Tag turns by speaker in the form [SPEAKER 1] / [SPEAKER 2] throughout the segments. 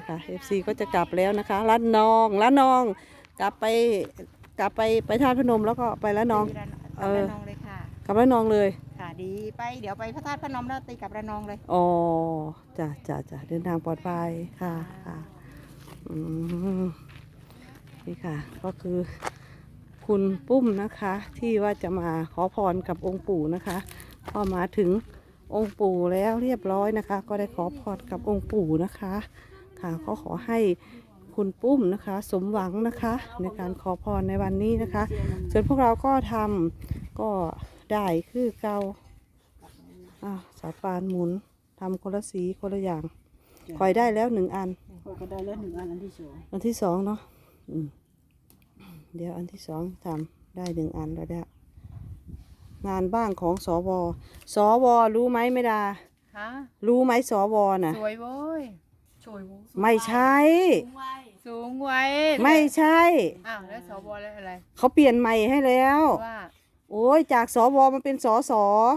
[SPEAKER 1] FC ก็จะกลับแล้วนะคะละนองกลับไปธาตุพนมแล้วก็ไปละนอง
[SPEAKER 2] กลับระนองเลยค่ะ
[SPEAKER 1] กลับละนองเลย
[SPEAKER 2] ค่ะดีไปเดี๋ยวไปพระธาตุพนมแล้วตีกลับระนองเลย
[SPEAKER 1] อ๋อจ้ะเดินทางปลอดภัยค่ะอืมนี่ค่ะก็คือคุณปุ้มนะคะที่ว่าจะมาขอพรกับองค์ปู่นะคะพอมาถึงองค์ปู่แล้วเรียบร้อยนะคะ ก็ได้ขอพรกับองค์ปู่นะคะค่ะก็ขอให้คุณปุ้มนะคะ สมหวังนะคะในการขอพรในวันนี้นะคะส่วนพวกเราก็ทำก็ได้คือเก่าสาปานหมุนทำคนละสีคนละอย่างคอยได้แล้ว1 อัน
[SPEAKER 3] ก็ได้แล้ว1 อันอันที่ 2
[SPEAKER 1] อันที่สองเนาะเดี๋ยวอันที่2ทำได้1 อันแล้วเนี่ยงานบ้างของสวรู้ไหมไม่ดา
[SPEAKER 2] ฮะ
[SPEAKER 1] รู้ไหมสวน่ะ
[SPEAKER 2] สวยโว้ยสวยโว้ย
[SPEAKER 1] ไม่ใช่
[SPEAKER 2] สูงไว้
[SPEAKER 1] ไม่ใช่
[SPEAKER 2] อ้าวแล้วสวแล้วอะไร
[SPEAKER 1] เขาเปลี่ยนใหม่ให้แล้ว
[SPEAKER 2] ว่า
[SPEAKER 1] โอ้ยจากสวมันเป็นสส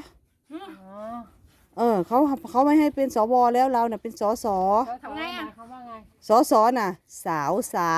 [SPEAKER 2] อ๋อ
[SPEAKER 1] เขาไม่ให้เป็นสวแล้วเราน่ะเป็นสส
[SPEAKER 2] ทำไงอ่ะเขาว่าไง
[SPEAKER 1] สสน่ะ สาว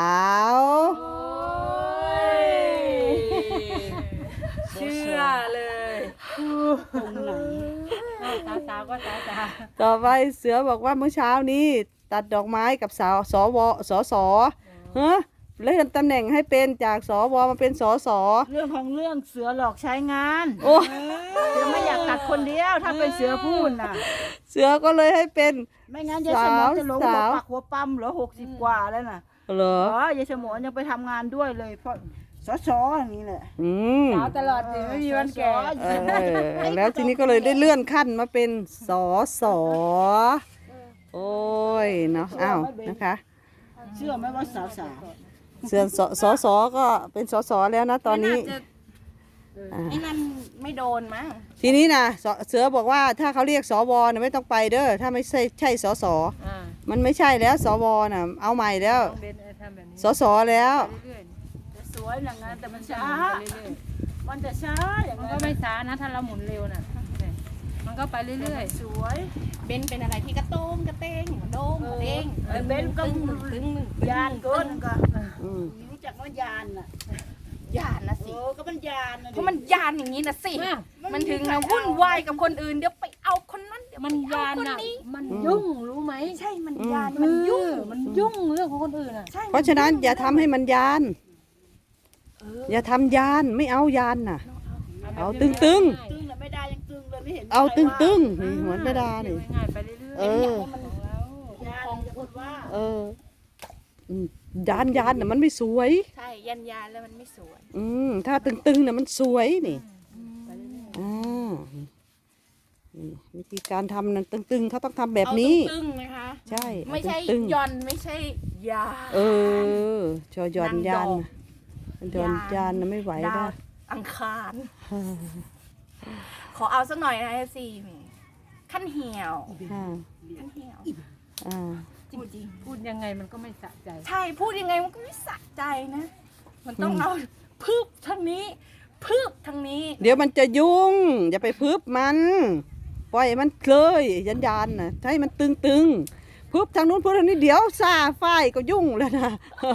[SPEAKER 2] เชื่อเลย
[SPEAKER 3] ตรงไหน
[SPEAKER 2] สาวก็สาว
[SPEAKER 1] ต่อไปเสือบอกว่าเมื่อเช้านี้ตัดดอกไม้กับสวสสเฮ้เลื่อนตำแหน่งให้เป็นจากสวมาเป็นสส
[SPEAKER 3] เรื่องของเรื่องเสือหลอกใช้งาน
[SPEAKER 1] โอ้
[SPEAKER 3] เสือไม่อยากตัดคนเดียวถ้าเป็นเสือพูดน่ะ
[SPEAKER 1] เสือก็เลยให้เป็น
[SPEAKER 3] ไม่งั้นยายสมอนจะหลงหัว
[SPEAKER 1] สาว
[SPEAKER 3] ปักหัวปั๊มเหรอ60 กว่าแล้วน่ะ
[SPEAKER 1] เหรอ
[SPEAKER 3] ยายสมอนยังไปทำงานด้วยเลยเพราะสสอย่างนี้แหละ
[SPEAKER 1] อืม
[SPEAKER 2] สาวตลอดสิไม่มีวันแก่
[SPEAKER 1] แล้วทีนี้ก็เลยได้เลื่อนขั้นมาเป็นสสโอ้ยเนาะอ้าวนะคะ
[SPEAKER 3] เชื่อไหมว่าสาว
[SPEAKER 1] เสือสก็เป็นสสแล้วนะตอนนี้
[SPEAKER 2] ไอ้นั่นไม่โดนมั้ง
[SPEAKER 1] ทีนี้นะเสือบอกว่าถ้าเขาเรียกสวนะไม่ต้องไปเด้อถ้าไม่ใช่สสมันไม่ใช่แล้วสวน่ะเอาใหม่แล้ว
[SPEAKER 2] เบนทำแบบนี้
[SPEAKER 1] สสแล้ว
[SPEAKER 2] เรื่อย
[SPEAKER 3] ๆจะสวยอย่างนั้นแต่มันช้า
[SPEAKER 2] ไปเรื่อย
[SPEAKER 3] มันจะช้าอย่าง
[SPEAKER 2] มัน
[SPEAKER 3] นั้
[SPEAKER 2] ก็
[SPEAKER 3] น
[SPEAKER 2] ไม่ช้านะถ้าเราหมุนเร็วน่ะมันก็ไปเรื่อย
[SPEAKER 3] สวย
[SPEAKER 4] เบนเป็นอะไรที่กระโต้งกระเต้งกระโต้งกระเต้ง
[SPEAKER 3] เบนก็
[SPEAKER 4] ตึง
[SPEAKER 3] ยานเกินก็
[SPEAKER 1] อืม
[SPEAKER 3] รู้จักว่ายานน่ะ
[SPEAKER 4] ยานนะสิ
[SPEAKER 3] ก็มันยานน่ะ
[SPEAKER 4] เพราะมันยานอย่างนี้นะสิ
[SPEAKER 2] ๆ
[SPEAKER 4] มันถึงนะวุ่นวายกับคนอื่นเดี๋ยวไปเอาคนนั้นเดี๋ยว
[SPEAKER 2] มัน
[SPEAKER 4] ไปเอา
[SPEAKER 2] ยาน
[SPEAKER 4] คน
[SPEAKER 2] น่ะ
[SPEAKER 4] นี้
[SPEAKER 2] มันยุ่งรู้ไหม
[SPEAKER 4] ใช่มันยานมันยุ่ง
[SPEAKER 2] มันยุ่งเรื่องของคนอื่นอ่ะ
[SPEAKER 4] ใช่
[SPEAKER 1] เพราะฉะนั้นอย่าทำให้มันยาน อย่าทำยานไม่เอายานน่ะ เอาตึง
[SPEAKER 3] ตึงน่ะไม่ได้ยังตึงเลยไม่เห็น
[SPEAKER 1] เอาตึงนี่เหมือนไม่ได้นี่
[SPEAKER 2] ง่ายๆไปเรื่อย
[SPEAKER 1] เออ
[SPEAKER 3] ยานจะพูดว่า
[SPEAKER 1] เอออืมยานน่ะมันไม่สวย
[SPEAKER 4] ใช่ยันยานแล้วมันไม่สวย
[SPEAKER 1] ถ้าตึงน่ะมันสวยนี่อ่านี่วิธีการทำนั้นตึงเขาต้องทำแบบนี้
[SPEAKER 4] เอาตึงๆนะคะ
[SPEAKER 1] ใช่
[SPEAKER 4] ไม่ใช่
[SPEAKER 1] ตึง
[SPEAKER 4] ย่อนไม่ใช่ยา
[SPEAKER 1] เออชอยอนยาน
[SPEAKER 4] นั่ง
[SPEAKER 1] น่ะยอนยานน่ะไม่ไหว
[SPEAKER 4] ดา
[SPEAKER 1] แล้ว ว
[SPEAKER 4] อังคาร ขอเอาสักหน่อยนะสิขั้นเหี่ยว
[SPEAKER 1] อ่า
[SPEAKER 4] ขั้นเหี่ยว
[SPEAKER 1] อ่า
[SPEAKER 4] จริง
[SPEAKER 2] พูดยังไงมันก็ไม่สะใจ
[SPEAKER 4] ๆใช่พูดยังไงมันก็ไม่สะใจนะ มันต้องเอาพืบทางนี้พืบทางนี้
[SPEAKER 1] เดี๋ยวมันจะยุ่ง อย่าไปพึบมันปล่อยมันเลยยานน่ะให้มันตึงพึบทางนู้นพึบทางนี้เดี๋ยวซาฝ้ายก็ยุ่งแล้วนะ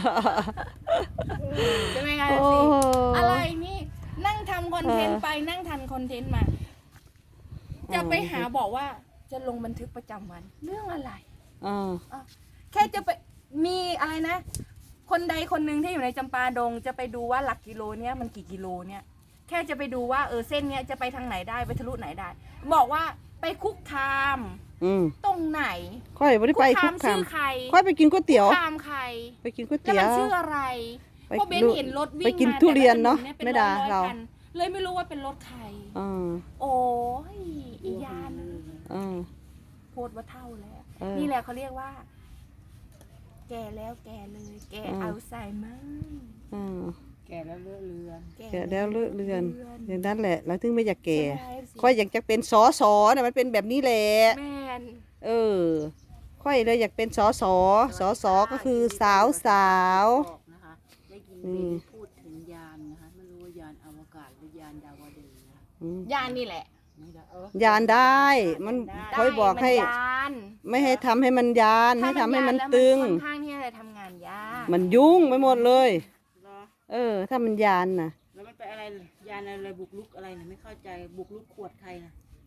[SPEAKER 4] ใช่ไหมคะ
[SPEAKER 1] โอ้
[SPEAKER 4] สิอะไรนี่นั่งทำคอนเทนต์ไปนั่งทันคอนเทนต์มา จะไปหาบอกว่าจะลงบันทึกประจำวัน เรื่องอะไร
[SPEAKER 1] อ่า
[SPEAKER 4] แค่จะไปมีอะไรนะ คนใดคนหนึ่งที่อยู่ในจำปาดง จะไปดูว่าหลักกิโลเนี้ยมันกี่กิโลเนี่ยแค่จะไปดูว่าเส้นเนี้ยจะไปทางไหนได้ไปทะลุไหนได้ บอกว่าไปคุกคาม ตรงไหน
[SPEAKER 1] ค่อยไม่ได้ไปคุกคาม
[SPEAKER 4] ชื่อใคร
[SPEAKER 1] ค่อยไปกินก๋วยเตี๋ยว
[SPEAKER 4] คุกคามใคร
[SPEAKER 1] ไปกินก๋วย
[SPEAKER 4] แล้ว
[SPEAKER 1] เตี๋ย
[SPEAKER 4] มัน
[SPEAKER 1] ว
[SPEAKER 4] ชื่ออะไร
[SPEAKER 1] ไป
[SPEAKER 4] เพราะเบน
[SPEAKER 1] ดู
[SPEAKER 4] เห็นรถวิ่ง
[SPEAKER 1] ไปกิน
[SPEAKER 4] มา
[SPEAKER 1] ทุเรียนเนอะ
[SPEAKER 4] แต่ละถ
[SPEAKER 1] ไม่ด่า
[SPEAKER 4] ป็น
[SPEAKER 1] เรา
[SPEAKER 4] คันเลยไม่รู้ว่าเป็นรถใคร
[SPEAKER 1] อ่า
[SPEAKER 4] โอ้ยอียาน
[SPEAKER 1] อ่า
[SPEAKER 4] โพดว่าเท่าแล้ว
[SPEAKER 1] เออ
[SPEAKER 4] นี่แหละเขาเรียกว่า แก่แล้วแก่เลย แก่อัลไซเมอร์
[SPEAKER 1] อ่า
[SPEAKER 2] แก่แล้วเลือดเลือน
[SPEAKER 1] แก่แล้วเลิกเรือนอย่างนั้นแหละแล้วถึงไม่อยากแก่
[SPEAKER 4] ใช่ไหม
[SPEAKER 1] ค่อยอยากจะเป็นสอสอนะมันเป็นแบบนี้แหละ
[SPEAKER 4] แมน
[SPEAKER 1] เออ ค่อยเลยอยากเป็นสอสอก็คือสาว
[SPEAKER 3] บอกนะคะได้ยินเบนพูดถึงยานนะคะไม่รู้ว่ายานอวกาศหรือยานดาวดึงส์นะ
[SPEAKER 4] ยานนี่แหละ
[SPEAKER 3] ย
[SPEAKER 1] ยานได้ มันคอยบอกให้
[SPEAKER 4] ได้มันยาน
[SPEAKER 1] ไม่ให้ทำให้มันยาน ให้ทำให้มันตึง
[SPEAKER 4] ค่อนข้างที่จะทำงานยาก
[SPEAKER 1] มันยุ่งไปหมดเลย
[SPEAKER 3] เหรอ
[SPEAKER 1] ถ้ามันยานนะ
[SPEAKER 3] แล้วมันไปอะไรยานอะไรบุกรุกอะไรเนี่ยไม่เข้าใจบุกรุกขวดใครนะ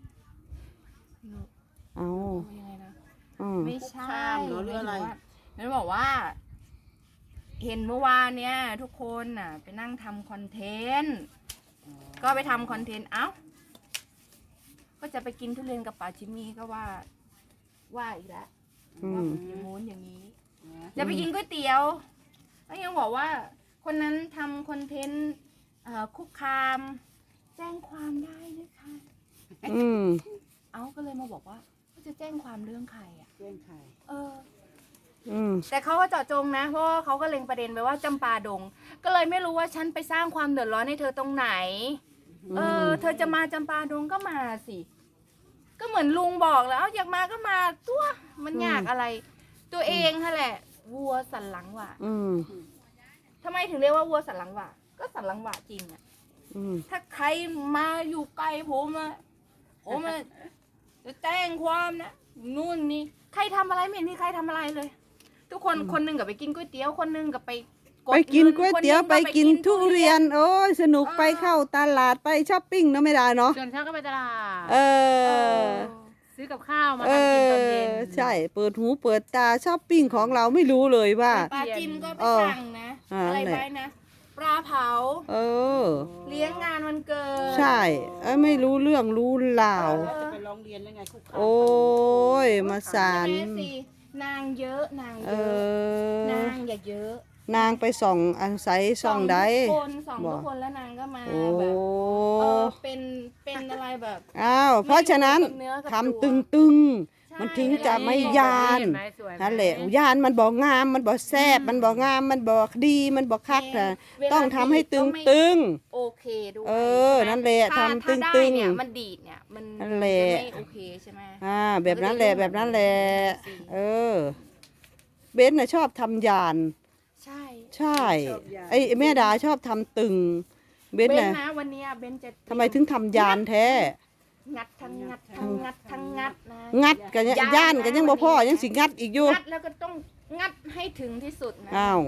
[SPEAKER 1] เอา
[SPEAKER 4] ยังไงนะ
[SPEAKER 1] อืม
[SPEAKER 4] ไม่ใช่
[SPEAKER 3] คุกคามเหรอหรืออะไร
[SPEAKER 4] นั่นบอกว่า เห็นเมื่อวานเนี้ยทุกคนน่ะ ไปนั่งทำคอนเทนต์ ก็ไปทำคอนเทนต์ เอ้า ก็จะไปกินทุเรียนกับป่าชิมี่ก็ว่าอีกแล้ว
[SPEAKER 1] อื
[SPEAKER 4] ว่าม อย่างงู้นอย่างนี้
[SPEAKER 3] นะ
[SPEAKER 4] จะไปกินก๋วยเตี๋ยวก็ยังบอกว่า คนนั้นทำคอนเทนต์คุกคาม แจ้งความได้นะคะ
[SPEAKER 1] อืม
[SPEAKER 4] เอ้าก็เลยมาบอกว่าเขาจะแจ้งความเรื่องใครอ่ะ
[SPEAKER 3] เรื่องใคร
[SPEAKER 1] อืม
[SPEAKER 4] แต่เขาก็เจาะจงนะเพราะว่าเขาก็เล็งประเด็นไปว่าจำปาดง ก็เลยไม่รู้ว่าฉันไปสร้างความเดือดร้อนให้เธอตรงไหน เธอจะมาจำปาดงก็มาสิ ก็เหมือนลุงบอกแล้วอยากมาก็มาตัวมันอยากอะไร ตัวเองค่ะแหละ วัวสันหลังหวะ
[SPEAKER 1] อืม
[SPEAKER 4] ทำไมถึงเรียกว่าวัวสันหลังหวะก็สันหลังหวะจริงอะ
[SPEAKER 1] อืม
[SPEAKER 4] ถ้าใครมาอยู่ไกลผมอะจะแจ้งความนะนู่นนี่ใครทำอะไรไม่เห็นมีใครทำอะไรเลย ทุกคนคนหนึงกับไปกินก๋วยเตี๋ยวคนหนึงกับไปด
[SPEAKER 1] ไปกินก๋วยเตี๋ยว
[SPEAKER 4] คนห
[SPEAKER 1] ไป
[SPEAKER 4] นึ่ง
[SPEAKER 1] กินทุเรียน โอ้ยสนุกไปเข้าตลาดไปช้อปปิ้งเนาะไม่ได้เนาะ
[SPEAKER 2] ส่วนเช้าก็ไปตลาด
[SPEAKER 1] เอ
[SPEAKER 4] เอ
[SPEAKER 1] อ
[SPEAKER 4] อ
[SPEAKER 2] ซื้อกับข้าวมา
[SPEAKER 1] เอ
[SPEAKER 2] ทำกินตอนเย็น
[SPEAKER 1] ใช่ เปิดหูเปิดตาช้อปปิ้งของเราไม่รู้เลยว่า
[SPEAKER 4] ปลาจิมก็ไป
[SPEAKER 1] เออ
[SPEAKER 4] สั่งนะ
[SPEAKER 1] อะไร
[SPEAKER 4] ไว้นะปลาเผา
[SPEAKER 1] เออ
[SPEAKER 4] เลี้ยงงานวันเกิด
[SPEAKER 1] ใช่ไม่รู้เรื่องรู้ราว
[SPEAKER 3] จะไปร้องเรียนยังไงคุกคาม
[SPEAKER 1] โอ้ย มาสาร
[SPEAKER 4] แม่สินางเยอะนาง
[SPEAKER 1] เอ
[SPEAKER 4] เยอะ
[SPEAKER 1] อ
[SPEAKER 4] นางอย่าเยอะ
[SPEAKER 1] นางไปส่องอาศัยส่องใด
[SPEAKER 4] ส่อง
[SPEAKER 1] บ
[SPEAKER 4] ทุ
[SPEAKER 1] อก
[SPEAKER 4] กคนแล้วนางก็มา
[SPEAKER 1] โอ้
[SPEAKER 4] แบบเป็นอะไรแบบ
[SPEAKER 1] อ้าวเพราะฉะนั้น
[SPEAKER 4] ไม่อยู่กับเนื้อกับ
[SPEAKER 1] ทำ
[SPEAKER 4] ตัว
[SPEAKER 1] ตึง
[SPEAKER 4] ใช่
[SPEAKER 1] ๆ มันถึงจะไม่ยาน
[SPEAKER 2] เห็นไหมสวยไหม
[SPEAKER 1] นั่นแหละยานมันบอกงามมันบอกแซบมันบอกงามมันบอกดีมันบอกคักนะ
[SPEAKER 4] เวลา
[SPEAKER 1] ต้องทำให้ตึ
[SPEAKER 4] ดี
[SPEAKER 1] ง
[SPEAKER 4] ดก็ไม่
[SPEAKER 1] ตึง
[SPEAKER 4] โอเคด้วย
[SPEAKER 1] เออ
[SPEAKER 4] ใช่ไหม
[SPEAKER 1] นั่นแหละ
[SPEAKER 4] ถ้า
[SPEAKER 1] ทำ
[SPEAKER 4] ถ้าได้
[SPEAKER 1] ตึงๆ
[SPEAKER 4] เนี่ยมันดีดเนี่ยมัน
[SPEAKER 1] นั่นแหละ
[SPEAKER 4] ไม่โอเคใช่ไหม
[SPEAKER 1] แบบนั้นแหละแบบนั้นแหละ เออ เบนน่ะชอบทำยาน
[SPEAKER 4] ใช่
[SPEAKER 1] ใช่ไอ้แม่ดาชอบทำตึง เบน
[SPEAKER 4] เบน
[SPEAKER 1] น่ะ
[SPEAKER 4] นะวันเนี้ยเบนจะ
[SPEAKER 1] ทำไมถึงทำยานแท้
[SPEAKER 4] งัดทั้งงัดทั้งงัดทั้งงัดนะ
[SPEAKER 1] งัดกันย่านกันยังบ่พ่อยังสิงัดอีกอยู่
[SPEAKER 4] งัดแล้วก็ต้องงัดให้ถึงที่สุดนะ
[SPEAKER 1] อ้าวย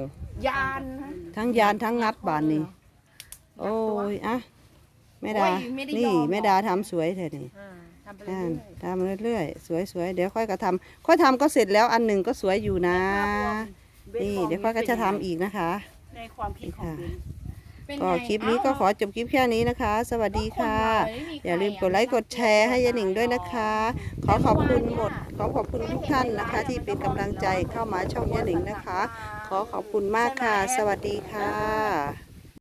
[SPEAKER 4] านนะ
[SPEAKER 1] ทั้งยานทั้งงัดบานนี้ โอ้ยอะแม่ดา
[SPEAKER 4] โอ้ยไม่ได้ยอม
[SPEAKER 1] นี่
[SPEAKER 4] หรอก
[SPEAKER 1] แม่ดาทำสวยแท้นี่
[SPEAKER 2] ทำไปเรื่
[SPEAKER 1] อ่า
[SPEAKER 2] อย
[SPEAKER 1] ทำเรื่อยๆสวยๆเดี๋ยวค่อยก็ทำค่อยทำก็เสร็จแล้วอันหนึ่งก็สวยอยู่นะ นี่เดี๋ยวค่อยก็จะทำอีกนะคะ
[SPEAKER 3] ในความคิดของเบน
[SPEAKER 4] เป็น
[SPEAKER 1] ก็
[SPEAKER 4] ไง
[SPEAKER 1] คลิปนี้ก็ขอจบคลิปแค่นี้นะคะ สวัสดีค่ะ อย่าลืมกดไลค์กดแชร์ให้ยายหนิงด้วยนะคะ ขอขอบคุณหมด ขอขอบคุณทุกท่านนะคะ ที่เป็นกำลังใจเข้ามาช่องยายหนิงนะคะ ขอขอบคุณมากค่ะ สวัสดีค่ะ